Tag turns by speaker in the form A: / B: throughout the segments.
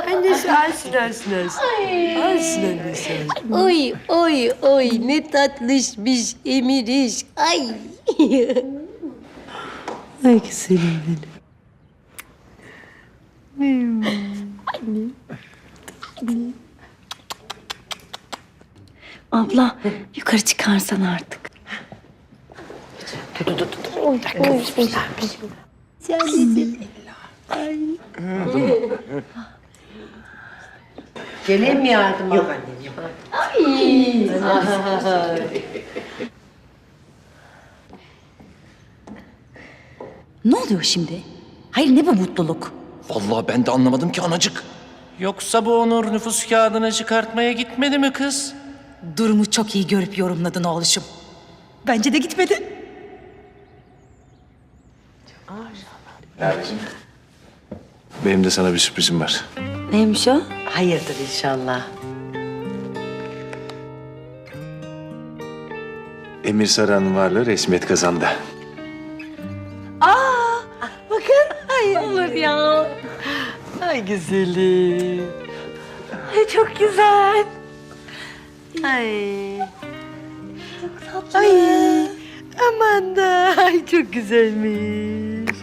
A: Annesi alsın. Alsın annesi.
B: Oy oy oy ne tatlışmış Emiriş. Ay.
A: Ay güzelim benim.
C: Abla yukarı çıkarsan artık.
A: Geleyim mi yardıma? Yok annem yok.
C: Ne oluyor şimdi? Hayır ne bu mutluluk?
D: Vallahi ben de anlamadım ki anacık.
E: Yoksa bu Onur nüfus kağıdını çıkartmaya gitmedi mi kız?
C: Durumu çok iyi görüp yorumladın oğluşum. Bence de gitmedi.
F: Benim de sana bir sürprizim var.
C: Neymiş o?
A: Hayırdır inşallah.
F: Emir Saran'ın varlığı resmiyet kazandı.
B: Olur ya.
A: Ay güzelim. Ay çok güzel. Ay. Çok tatlı. Ay. Aman da. Ay çok güzelmiş.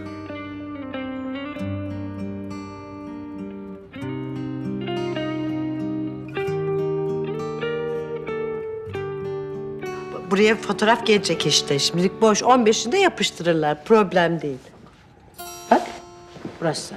A: Buraya fotoğraf gelecek işte. Şimdilik boş. 15'inde yapıştırırlar. Problem değil. Bak. Burası.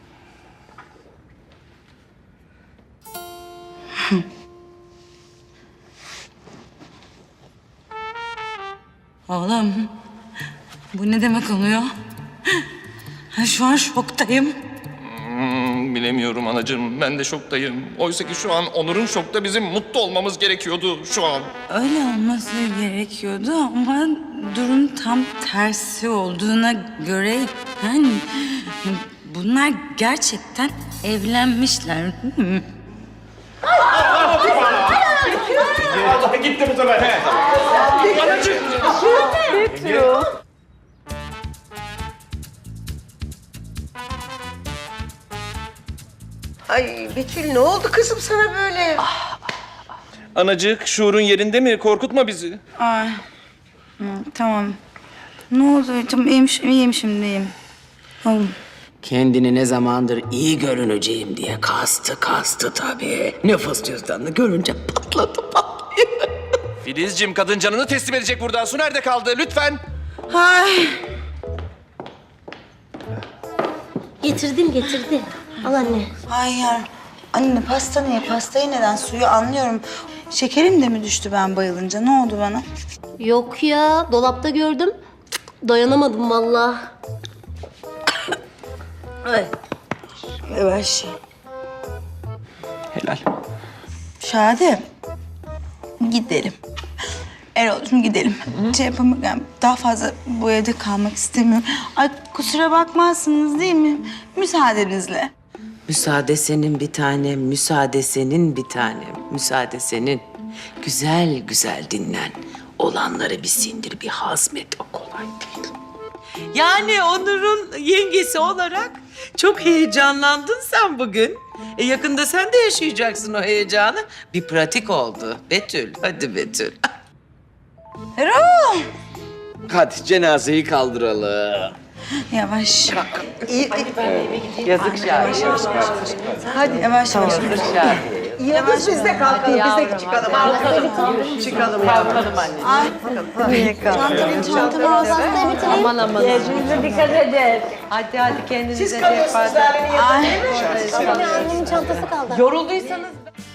C: Oğlum bu ne demek oluyor? Şu an şoktayım.
D: Bilemiyorum anacığım. Ben de şoktayım. Oysa ki şu an Onur'un şokta bizim mutlu olmamız gerekiyordu şu an.
C: Öyle olması gerekiyordu ama durum tam tersi olduğuna göre yani bunlar gerçekten evlenmişler.
D: Gitti bu sefer. He.
A: Ay Betül ne oldu kızım sana böyle?
D: Anacık şuurun yerinde mi? Korkutma bizi.
C: Ay. Tamam. Ne oldu? Tamam iyiyim şimdi iyiyim. Oğlum.
G: Kendini ne zamandır iyi görüneceğim diye kastı tabii. Nüfus cüzdanını görünce patladı.
D: Filizciğim kadın canını teslim edecek burada. Su nerede kaldı? Lütfen.
C: Ay.
B: Getirdim. Al anne.
H: Hayır. Anne pasta niye? Pastayı neden? Suyu anlıyorum. Şekerim de mi düştü ben bayılınca? Ne oldu bana?
B: Yok ya dolapta gördüm. Dayanamadım vallahi.
H: Yavaş.
D: Helal.
H: Şahane. Gidelim. Erol'cum gidelim. Şey yapamam, yani daha fazla bu evde kalmak istemiyorum. Ay kusura bakmazsınız değil mi? Müsaadenizle.
G: Müsaade senin bir tanem, müsaade senin bir tanem, müsaade senin. Güzel güzel dinlen. Olanları bir sindir, bir hazmet, o kolay değil.
I: Yani Onur'un yengesi olarak çok heyecanlandın sen bugün. Yakında sen de yaşayacaksın o heyecanı. Bir pratik oldu. Betül, hadi Betül.
H: Erol!
D: Hadi cenazeyi kaldıralım.
H: Yavaş.
A: Yazık Şahin.
H: Hadi yavaş yavaş.
A: Yıldız biz de kalkalım. Biz de çıkalım. Çıkalım yavrum. Kalkalım anne.
H: Ay. Niye kalkalım?
B: Çantamı hastaya bitireyim.
A: Aman. Kendinize dikkat edin. Hadi kendinize siz kalıyorsunuz Lale'nin yanında değil mi?
B: Annemin çantası kaldı.
A: Yorulduysanız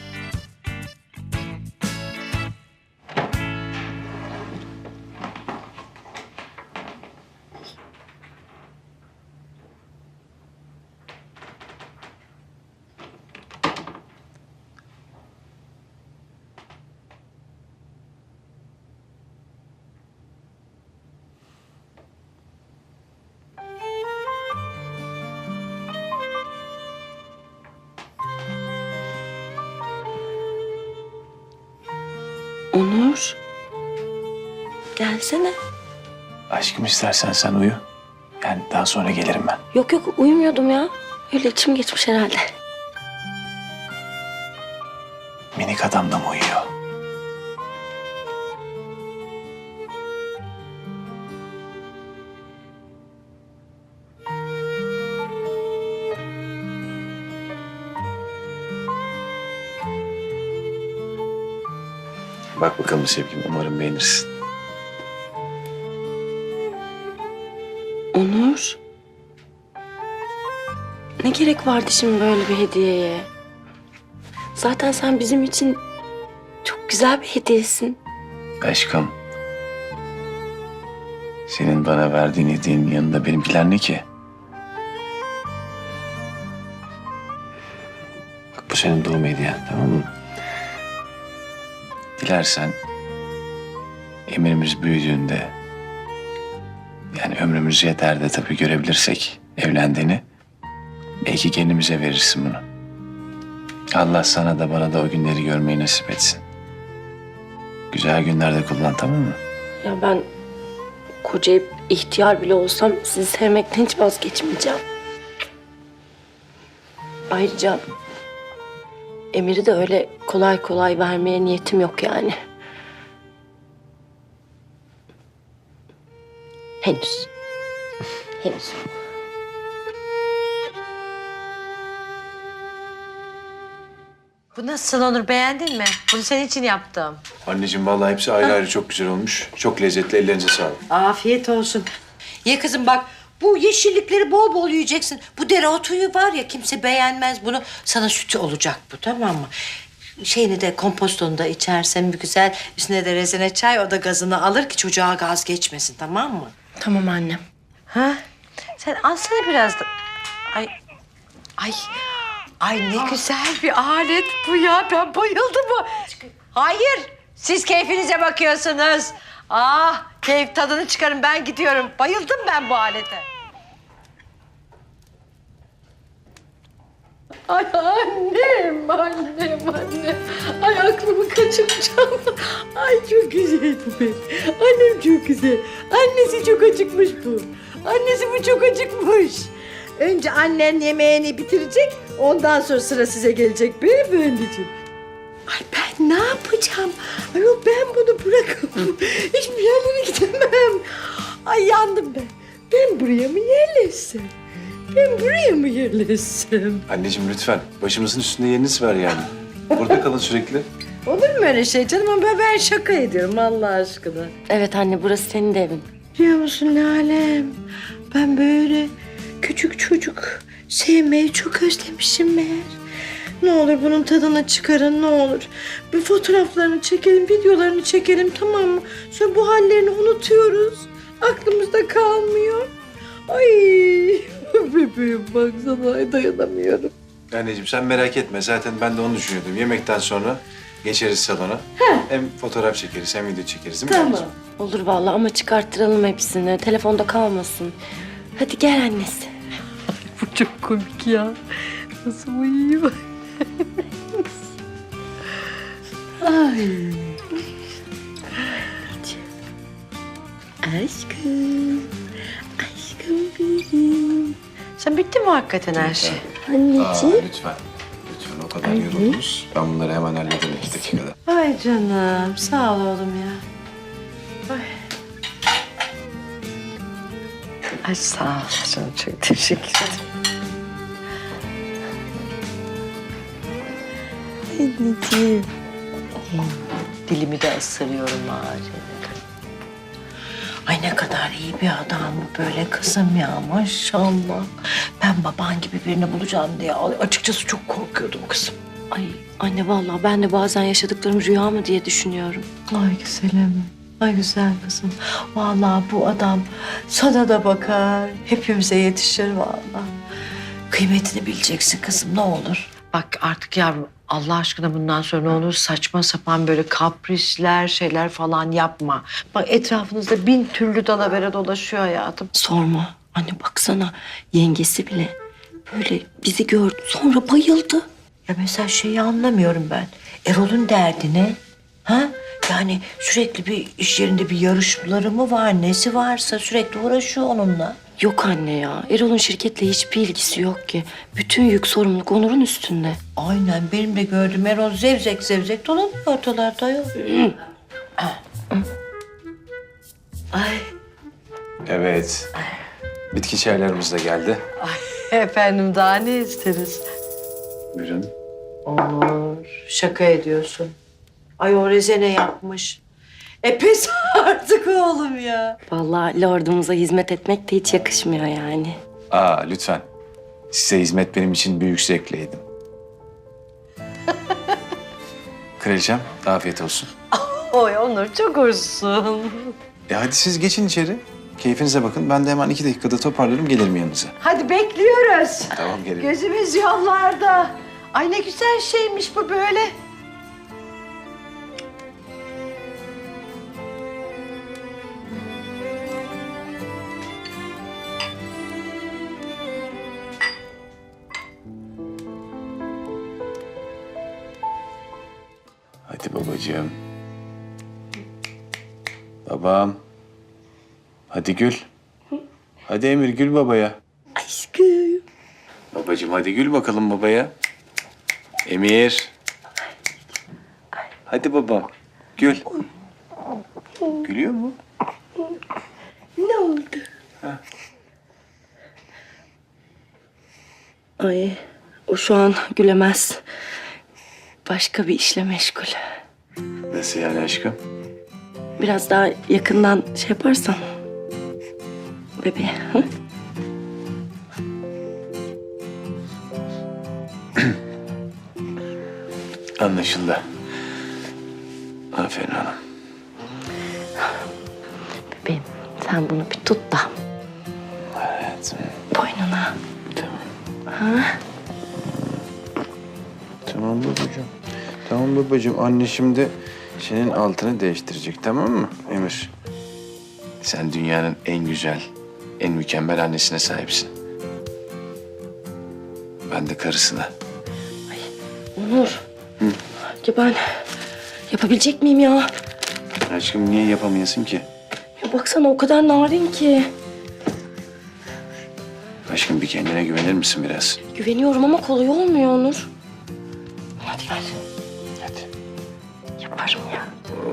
G: Onur, gelsene.
F: Aşkım istersen sen uyu. Yani daha sonra gelirim ben.
B: Yok uyumuyordum ya. Öyle içim geçmiş herhalde.
F: Erkek adamla mı uyuyor? Bak bakalım sevgilim, umarım beğenirsin.
B: Onur. Ne gerek vardı şimdi böyle bir hediyeye? Zaten sen bizim için çok güzel bir hediyesin.
F: Aşkım. Senin bana verdiğin hediyenin yanında benimkiler ne ki? Bak bu senin doğum hediyen, tamam mı? Dilersen Emir'imiz büyüdüğünde, yani ömrümüz yeter de tabii görebilirsek evlendiğini, belki kendimize verirsin bunu. Allah sana da bana da o günleri görmeyi nasip etsin. Güzel günlerde kullan, tamam mı?
B: Ya ben kocayıp ihtiyar bile olsam sizi sevmekten hiç vazgeçmeyeceğim. Ayrıca Emir'i de öyle kolay kolay vermeye niyetim yok yani. Henüz. Henüz.
A: Bu nasıl Onur, beğendin mi? Bunu senin için yaptım.
F: Anneciğim vallahi hepsi ayrı ayrı çok güzel olmuş. Çok lezzetli, ellerinize sağlık.
A: Afiyet olsun. Ye kızım bak, bu yeşillikleri bol bol yiyeceksin. Bu dereotuyu var ya, kimse beğenmez bunu. Sana sütü olacak bu, tamam mı? Şeyini de, kompostonu da içersen bir güzel, üstüne de rezene çay, o da gazını alır ki çocuğa gaz geçmesin, tamam mı?
B: Tamam annem.
A: Ha? Sen alsana biraz da. Ay, ay ne güzel bir alet bu ya. Ben bayıldım bu. Hayır, siz keyfinize bakıyorsunuz. Ah, keyif tadını çıkarın, ben gidiyorum. Bayıldım ben bu alete.
B: Ay annem. Ay aklımı kaçıracağım. Ay çok güzel bu benim. Annem çok güzel. Annesi çok acıkmış bu. Annesi bu çok acıkmış.
A: Önce annen yemeğini bitirecek, ondan sonra sıra size gelecek beyefendiciğim. Ay ben ne yapacağım? Ayol ben bunu bırakamam. Hiçbir yerlere gidemem. Ay yandım ben. Ben buraya mı yerleşsem? Ben buraya mı yerleşsem?
F: Anneciğim lütfen, başımızın üstünde yeriniz var yani. Burada kalın sürekli.
A: Olur mu öyle şey canım? Ama ben şaka ediyorum Allah aşkına.
B: Evet anne, burası senin de evin.
A: Biliyor musun Lalem? Ben böyle küçük çocuk sevmeyi çok özlemişim meğer. Ne olur bunun tadını çıkarın, ne olur. Bir fotoğraflarını çekelim, videolarını çekelim, tamam mı? Sonra bu hallerini unutuyoruz. Aklımızda kalmıyor. Ay bebeğim baksana, ay dayanamıyorum.
F: Anneciğim sen merak etme, zaten ben de onu düşünüyordum. Yemekten sonra geçeriz salona. Hem fotoğraf çekeriz hem video çekeriz değil mi?
A: Tamam.
F: anneciğim?
B: Olur vallahi ama çıkarttıralım hepsini. Telefonda kalmasın. Hadi gel annesi.
A: Bu çok komik ya. Nasıl uyuyor? Ay. Aşkım. Aşkım benim. Sen bitti mi hakikaten her şey?
B: Anneciğim.
F: Lütfen. Lütfen o kadar yoruldunuz. Ben bunları hemen hallederim 2 dakikada.
A: Ay canım. Sağ ol oğlum ya. Ay. Ay sağ ol canım. Çok teşekkür ederim. Anneciğim. Dilimi de ısırıyorum ağacına. Ay ne kadar iyi bir adam bu böyle kızım ya maşallah. Ben baban gibi birini bulacağım diye açıkçası çok korkuyordum kızım.
B: Ay anne vallahi ben de bazen yaşadıklarım rüya mı diye düşünüyorum.
A: Ay güzelim. Ay güzel kızım. Vallahi bu adam sana da bakar. Hepimize yetişir vallahi. Kıymetini bileceksin kızım ne olur. Bak artık yavrum Allah aşkına bundan sonra ne olur saçma sapan böyle kaprisler şeyler falan yapma. Bak etrafınızda 1000 türlü dalavere dolaşıyor hayatım.
B: Sorma. Anne baksana yengesi bile böyle bizi gördü sonra bayıldı.
A: Ya mesela şeyi anlamıyorum ben. Erol'un derdi ne? Ha? Yani sürekli bir iş yerinde bir yarışmaları mı var? Nesi varsa sürekli uğraşıyor onunla.
J: Yok anne ya. Erol'un şirketle hiçbir ilgisi yok ki. Bütün yük sorumluluk Onur'un üstünde.
B: Aynen benim de gördüm. Erol zevzek zevzek dolanıyor ortalarda yok. Ay
F: Evet. Bitki çaylarımız da geldi.
B: efendim daha ne isteriz?
F: Buyurun.
B: Onur şaka ediyorsun. Ay o rezene yapmış. Pes artık oğlum ya.
J: Vallahi lordumuza hizmet etmek de hiç yakışmıyor yani.
F: Aa lütfen. Size hizmet benim için büyük zevkleydim. Kraliçem afiyet olsun.
B: Oy Onur çok hoşsun.
F: Hadi siz geçin içeri. Keyfinize bakın. Ben de hemen 2 dakikada toparlarım gelirim yanınıza.
B: Hadi bekliyoruz.
F: Tamam gelirim.
B: Gözümüz yollarda. Ay ne güzel şeymiş bu böyle.
F: Hadi babacığım. Babam. Hadi gül. Hadi Emir gül babaya.
J: Aşkım.
F: Babacığım hadi gül bakalım babaya. Emir. Hadi babam. Gül. Gülüyor mu?
J: Ne oldu? Ay o şu an gülemez. Başka bir işle meşgul.
F: Nasıl yani aşkım?
J: Biraz daha yakından şey yaparsan. Bebeğe. Hı?
F: Anlaşıldı. Aferin hanım.
J: Bebeğim sen bunu bir tut da
F: Hayatım.
J: boynuna.
F: Tamam. Tamam babacığım. Tamam babacığım. Anne şimdi senin altını değiştirecek, tamam mı Emir? Sen dünyanın en güzel, en mükemmel annesine sahipsin. Ben de karısına.
J: Onur. Ya ben yapabilecek miyim ya?
F: Aşkım niye yapamayasın ki?
J: Ya baksana o kadar narin ki.
F: Aşkım bir kendine güvenir misin biraz?
J: Güveniyorum ama kolay olmuyor Onur. Hadi gel.
F: Hadi.
J: Yaparım ya.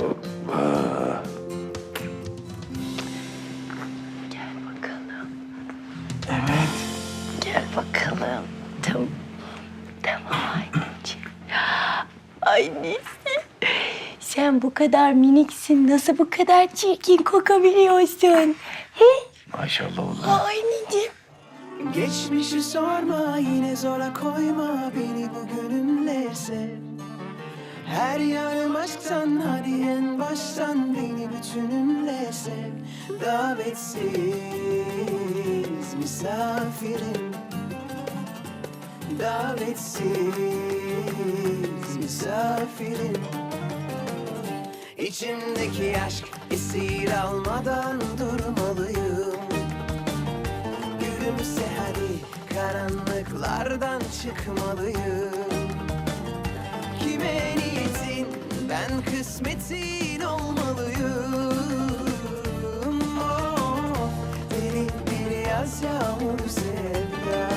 J: Gel bakalım.
F: Evet.
J: Gel bakalım. Tamam. Tamam anneciğim. Annesi. Sen bu kadar miniksin. Nasıl bu kadar çirkin kokabiliyorsun?
F: Maşallah oğlum.
J: Anneciğim.
K: Geçmişi sorma yine zora koyma beni bugünümle sev. Her yanım aşktan hadi en baştan beni bütünümle sev. Davetsiz misafirim. Davetsiz misafirim. İçimdeki aşk esir almadan durmalıyım. Gülümse hadi karanlıklardan çıkmalıyım. Kime niyetin ben kısmetin olmalıyım. Oh, derin bir yaz yağmur sevda.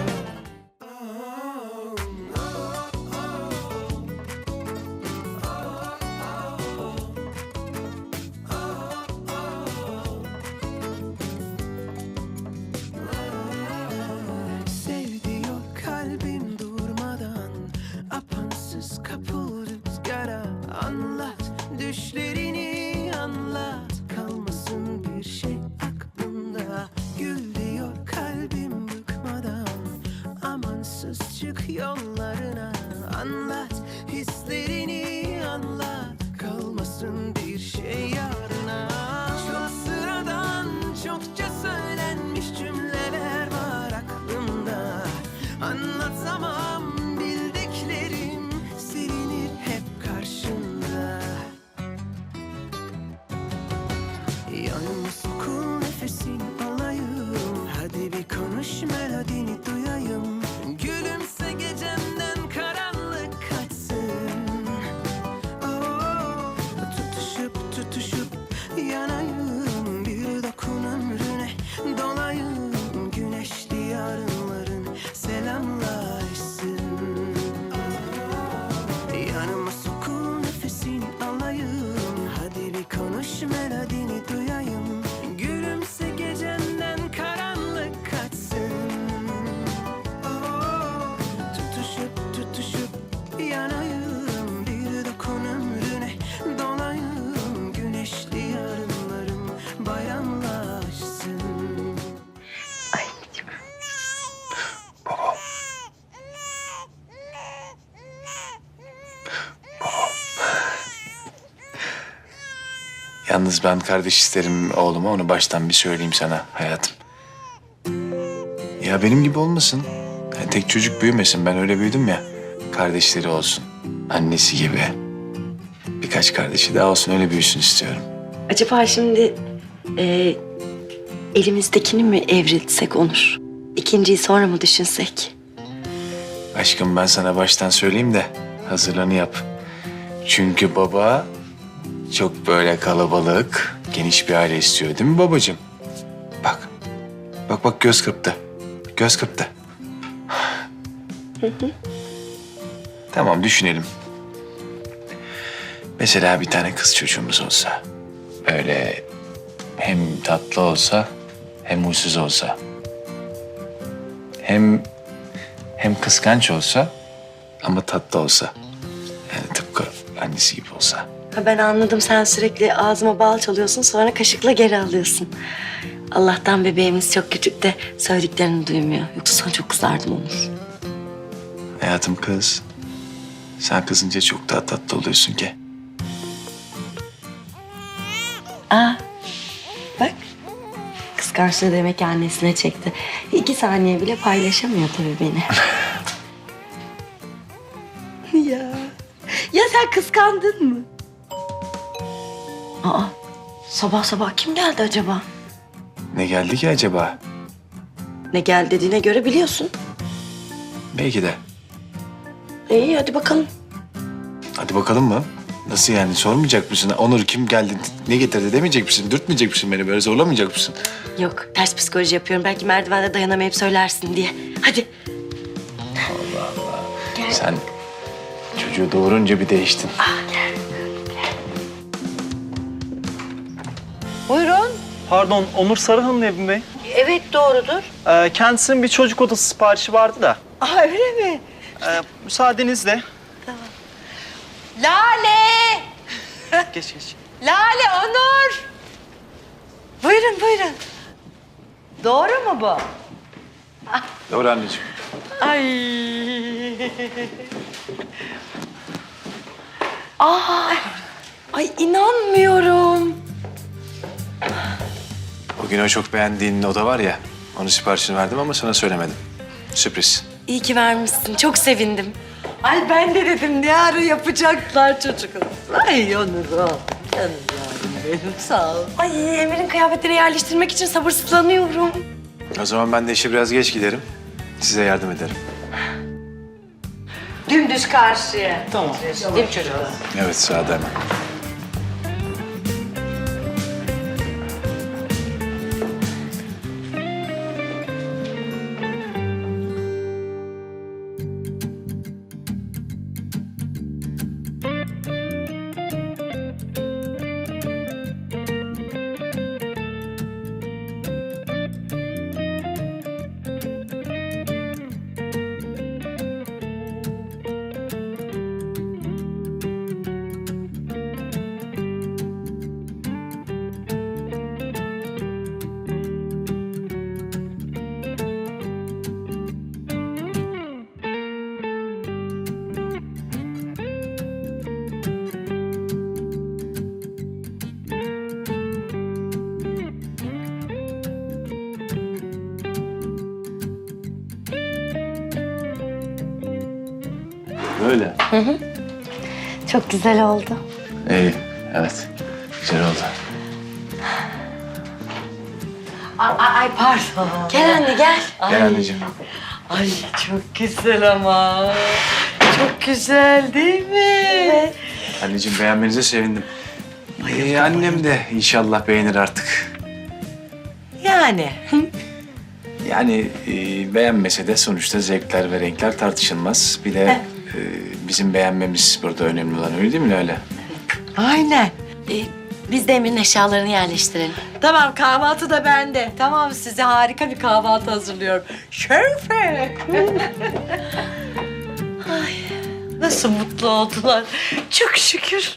K: Sevdiyor kalbim durmadan, apansız kapıl rüzgara. Anlat düşlerini anlat, kalmasın bir şey aklımda. Gül diyor kalbim bıkmadan, amansız çık yollarına. Anlat hislerini anlat, kalmasın bir şey yarına. Çok sıradan çokça söylenmiş cümleler var aklımda. Anlatamam bildiklerim silinir hep karşımda. Yanımız kokul nefesin alayım. Hadi bir konuş melodini duyayım. Gülümse gecemden karanlık kaçsın. Oh, tutuşup tutuşup
F: Yalnız ben kardeş isterim oğluma, onu baştan bir söyleyeyim sana hayatım. Ya benim gibi olmasın. Yani tek çocuk büyümesin, ben öyle büyüdüm ya. Kardeşleri olsun, annesi gibi. Birkaç kardeşi daha olsun, öyle büyüsün istiyorum.
J: Acaba şimdi elimizdekini mi evrilsek Onur? İkinciyi sonra mı düşünsek?
F: Aşkım ben sana baştan söyleyeyim de hazırlığını yap. Çünkü baba çok böyle kalabalık, geniş bir aile istiyor değil mi babacığım? Bak, bak göz kırptı. Göz kırptı. Tamam düşünelim. Mesela bir tane kız çocuğumuz olsa. Böyle hem tatlı olsa hem huysuz olsa. Hem kıskanç olsa ama tatlı olsa. Yani tıpkı annesi gibi olsa.
J: Ha, ben anladım, sen sürekli ağzıma bal çalıyorsun sonra kaşıkla geri alıyorsun. Allah'tan bebeğimiz çok küçük de söylediklerini duymuyor. Yoksa sana çok kızardım Onur.
F: Hayatım kız. Sen kızınca çok daha tatlı oluyorsun ki.
J: Aa, bak. Kıskançlığı demek ki annesine çekti. 2 saniye bile paylaşamıyor tabii beni. Ya. Ya sen kıskandın mı? Aa, sabah sabah kim geldi acaba?
F: Ne geldi ki acaba?
J: Ne geldi dediğine göre biliyorsun.
F: Belki de.
J: İyi hadi bakalım.
F: Hadi bakalım mı? Nasıl yani, sormayacak mısın? Onur kim geldi, ne getirdi demeyecek misin? Dürtmeyecek misin beni, böyle zorlamayacak mısın?
J: Yok, ters psikoloji yapıyorum. Belki merdivende dayanamayıp söylersin diye. Hadi.
F: Sen çocuğu doğurunca bir değiştin.
B: Buyurun.
E: Pardon, Onur Sarıhan'ın evi mi?
B: Evet doğrudur.
E: Kendisinin bir çocuk odası siparişi vardı da.
B: Aa öyle mi?
E: Müsaadenizle.
B: Lale!
E: Geç geç.
B: Lale, Onur! Buyurun, buyurun. Doğru mu bu?
F: Doğru anneciğim.
B: Ay.
J: Ay inanmıyorum.
F: Bugün o çok beğendiğin oda var ya, onun siparişini verdim ama sana söylemedim. Sürpriz.
J: İyi ki vermişsin. Çok sevindim.
B: Ay ben de dedim ne ara yapacaklar çocuklar. Ay Onur canım yavrum benim sağ ol.
J: Ay Emir'in kıyafetleri yerleştirmek için sabırsızlanıyorum.
F: O zaman ben de işe biraz geç giderim. Size yardım ederim.
B: Dümdüz karşıya.
E: Tamam.
B: Değil mi çocuklar?
F: Evet, sağda hemen. Böyle.
J: Çok güzel oldu.
F: İyi, evet. Güzel oldu.
B: Ay pardon.
J: Gel anne gel.
F: Gel anneciğim.
B: Ay çok güzel ama. Çok güzel değil mi? Evet.
F: Anneciğim beğenmenize sevindim. Annem de inşallah beğenir artık.
B: Yani.
F: Yani beğenmese de sonuçta zevkler ve renkler tartışılmaz. Bir de bizim beğenmemiz burada önemli olan, öyle değil mi öyle?
B: Aynen.
J: Biz de Emir'in eşyalarını yerleştirelim.
B: Tamam kahvaltı da bende. Tamam size harika bir kahvaltı hazırlıyorum. Şerefe. Ay, nasıl mutlu oldular. Çok şükür.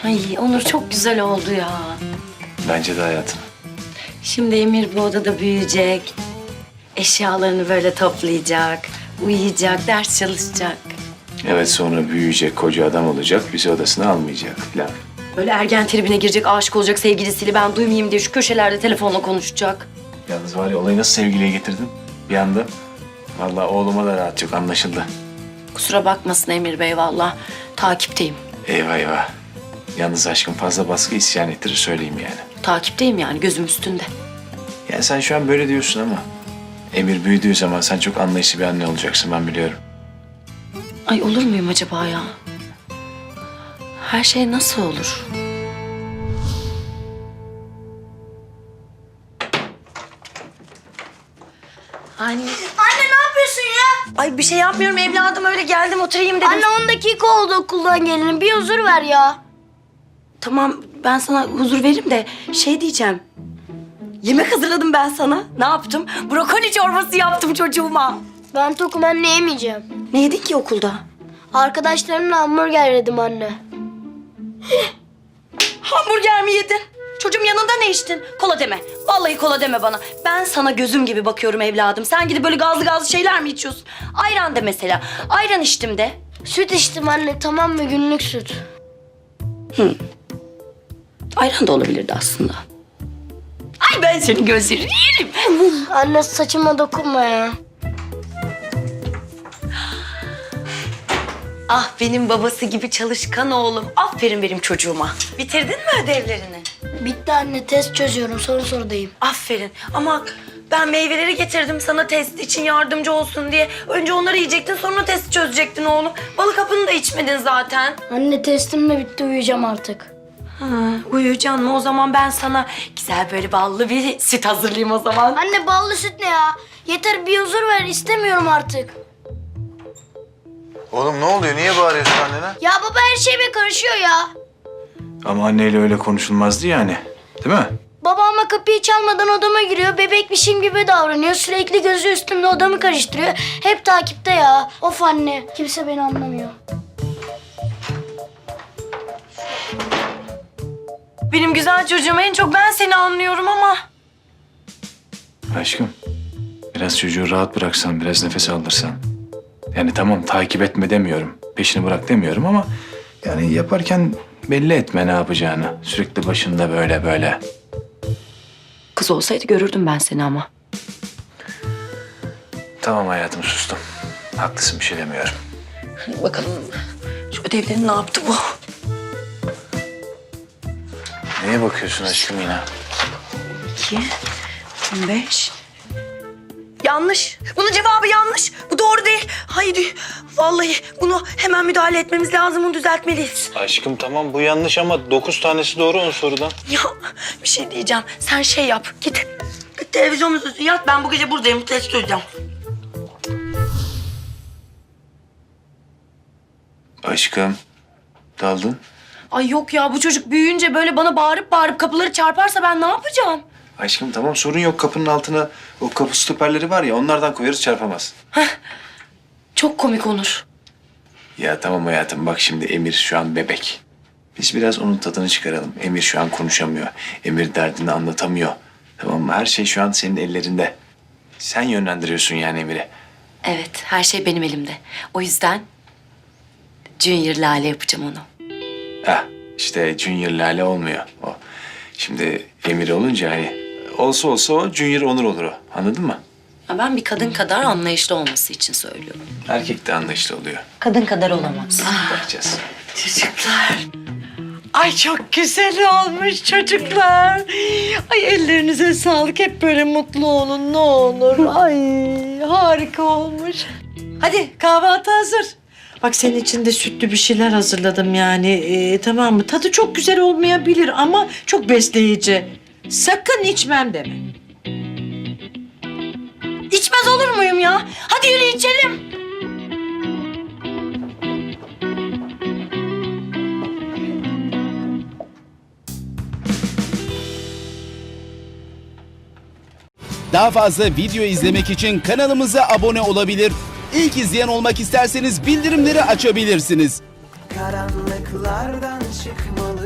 J: Ay Onur çok güzel oldu ya.
F: Bence de hayatım.
J: Şimdi Emir bu odada büyüyecek. Eşyalarını böyle toplayacak. Uyuyacak, ders çalışacak.
F: Evet, sonra büyüyecek, koca adam olacak, bizi odasına almayacak falan.
J: Böyle ergen tribine girecek, aşık olacak sevgilisiyle ben duymayayım diye şu köşelerde telefonla konuşacak.
F: Yalnız var ya, olayı nasıl sevgiliye getirdin bir anda? Vallahi oğluma da rahat yok, anlaşıldı.
J: Kusura bakmasın Emir Bey vallahi. Takipteyim.
F: Eyvah eyvah. Yalnız aşkım fazla baskı isyan ettirir söyleyeyim yani.
J: Takipteyim yani gözüm üstünde.
F: Yani sen şu an böyle diyorsun ama Emir büyüdüğü zaman sen çok anlayışlı bir anne olacaksın, ben biliyorum.
J: Ay olur muyum acaba ya? Her şey nasıl olur? Anne.
A: Anne ne yapıyorsun ya?
J: Ay bir şey yapmıyorum evladım öyle geldim oturayım dedim.
A: Anne 10 dakika oldu okuldan gelene. Bir huzur ver ya.
J: Tamam ben sana huzur veririm de şey diyeceğim. Yemek hazırladım ben sana. Ne yaptım? Brokoli çorbası yaptım çocuğuma.
A: Ben tokum anne yemeyeceğim.
J: Ne yedin ki okulda?
A: Arkadaşlarımla hamburger yedim anne.
J: Hamburger mi yedin? Çocuğum yanında ne içtin? Kola deme. Vallahi kola deme bana. Ben sana gözüm gibi bakıyorum evladım. Sen gidip böyle gazlı gazlı şeyler mi içiyorsun? Ayran de mesela. Ayran içtim de.
A: Süt içtim anne tamam mı günlük süt.
J: Ayran da olabilirdi aslında. Ay ben senin gözlerini yerim.
A: Anne saçıma dokunma ya.
J: Ah benim babası gibi çalışkan oğlum. Aferin benim çocuğuma. Bitirdin mi ödevlerini?
A: Bitti anne test çözüyorum son sorudayım.
J: Aferin. Ama ben meyveleri getirdim sana test için yardımcı olsun diye. Önce onları yiyecektin sonra testi çözecektin oğlum. Balık hapını da içmedin zaten.
A: Anne testim de bitti uyuyacağım artık.
J: Ha, uyuyacaksın mı? O zaman ben sana güzel böyle ballı bir süt hazırlayayım o zaman.
A: Anne ballı süt ne ya? Yeter bir huzur ver istemiyorum artık.
F: Oğlum ne oluyor? Niye bağırıyorsun annene?
A: Ya baba her şeyime karışıyor ya.
F: Ama anneyle öyle konuşulmazdı yani. Değil mi?
A: Babamla kapıyı çalmadan odama giriyor. Bebekmişim gibi davranıyor. Sürekli gözü üstümde odamı karıştırıyor. Hep takipte ya. Of anne. Kimse beni anlamıyor.
J: Benim güzel çocuğum en çok ben seni anlıyorum ama.
F: Aşkım, biraz çocuğu rahat bıraksan, biraz nefes aldırsan. Yani tamam takip etme demiyorum, peşini bırak demiyorum ama... yani yaparken belli etme ne yapacağını. Sürekli başında böyle böyle.
J: Kız olsaydı görürdüm ben seni ama.
F: Tamam hayatım, sustum. Haklısın, bir şey demiyorum.
J: Hadi bakalım şu ödevlerini ne yaptı bu?
F: Neye bakıyorsun aşkım yine?
J: 2, 15. Yanlış. Bunun cevabı yanlış. Bu doğru değil. Haydi. Vallahi bunu hemen müdahale etmemiz lazım. Bunu düzeltmeliyiz.
F: Aşkım tamam, bu yanlış ama 9 tanesi doğru 10 sorudan.
J: Ya bir şey diyeceğim. Sen şey yap. Git televizyonun üstüne yat. Ben bu gece buradayım. Test çözeceğim.
F: Aşkım, daldın.
J: Ay yok ya bu çocuk büyüyünce böyle bana bağırıp bağırıp kapıları çarparsa ben ne yapacağım?
F: Aşkım tamam, sorun yok. Kapının altına o kapı stoperleri var ya, onlardan koyarız, çarpamaz.
J: Çok komik Onur.
F: Ya tamam hayatım, bak şimdi Emir şu an bebek. Biz biraz onun tadını çıkaralım. Emir şu an konuşamıyor. Emir derdini anlatamıyor. Tamam mı? Her şey şu an senin ellerinde. Sen yönlendiriyorsun yani Emir'i.
J: Evet her şey benim elimde. O yüzden Junior Lale yapacağım onu.
F: Heh, işte Junior Lale olmuyor o. Şimdi Emir olunca hani olsa olsa o Junior Onur olur o. Anladın mı?
J: Ya ben bir kadın kadar anlayışlı olması için söylüyorum.
F: Erkek de anlayışlı oluyor.
J: Kadın kadar olamaz.
F: Bakacağız.
B: Çocuklar. Ay çok güzel olmuş çocuklar. Ay ellerinize sağlık. Hep böyle mutlu olun ne olur. Ay harika olmuş. Hadi kahvaltı hazır. Bak senin için de sütlü bir şeyler hazırladım yani. Tamam mı? Tadı çok güzel olmayabilir ama çok besleyici. Sakın içmem deme.
J: İçmez olur muyum ya? Hadi yürü içelim.
L: Daha fazla video izlemek için kanalımıza abone olabilir. İlk izleyen olmak isterseniz bildirimleri açabilirsiniz.
K: Karanlıklardan çıkmalı